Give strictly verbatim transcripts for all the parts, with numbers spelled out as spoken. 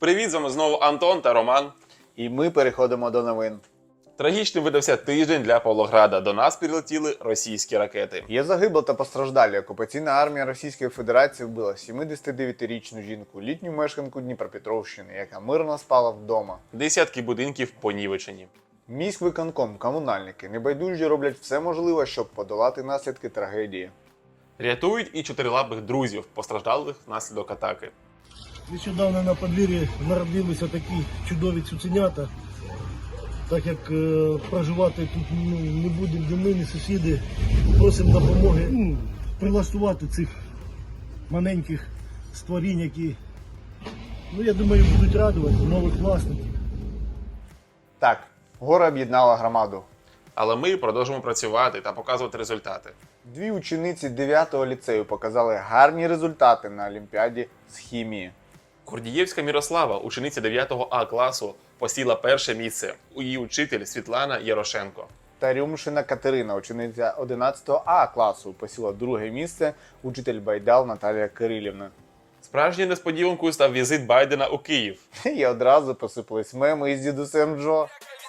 Привіт, з вами знову Антон та Роман. І ми переходимо до новин. Трагічним видався тиждень для Павлограда. До нас прилетіли російські ракети. Є загибла та постраждалі. Окупаційна армія Російської Федерації вбила сімдесятидевятирічну жінку, літню мешканку Дніпропетровщини, яка мирно спала вдома. Десятки будинків понівечені. Міськвиконком, комунальники небайдужі роблять все можливе, щоб подолати наслідки трагедії. Рятують і чотирилапих друзів, постраждалих внаслідок атаки. Нещодавно на подвір'ї народилися такі чудові цуценята. Так як е, проживати тут ну, не будемо ні ми, ні сусіди, просимо допомоги ну, прилаштувати цих маленьких створінь, які, ну, я думаю, будуть радувати нових власників. Так, горе об'єднала громаду. Але ми продовжимо працювати та показувати результати. Дві учениці дев'ятого ліцею показали гарні результати на Олімпіаді з хімії. Курдієвська Мірослава, учениця дев'ятого А класу, посіла перше місце. У її учитель Світлана Ярошенко. Та Рюмшина Катерина, учениця одинадцятого А класу, посіла друге місце, учитель Байдал Наталія Кирилівна. Справжньою несподіванкою став візит Байдена у Київ. І одразу посипались меми із дідусем Джо.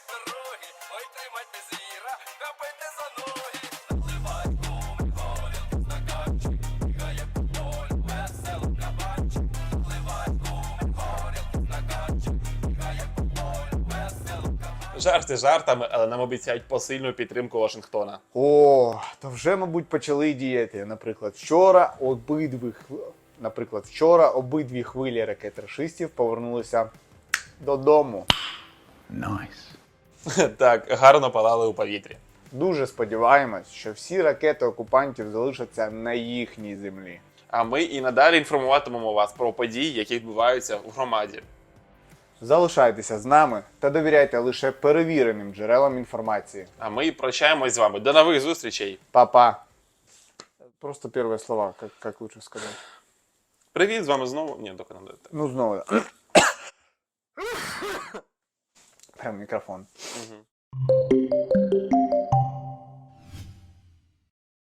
Жарти жартами, але нам обіцяють посильну підтримку Вашингтона. О, то вже, мабуть, почали діяти. Наприклад, вчора обидві, хв- наприклад, вчора обидві хвилі ракет рашистів повернулися додому. Так, гарно палали у повітрі. Дуже сподіваємось, що всі ракети окупантів залишаться на їхній землі. А ми і надалі інформуватимемо вас про події, які відбуваються в громаді. Залишайтеся з нами та довіряйте лише перевіреним джерелам інформації. А ми прощаємось з вами. До нових зустрічей. Па-па. Просто перші слова, як, як лучше сказати. Привіт, з вами знову. Ні, доки не дайте. Ну, знову. Прям мікрофон. Угу.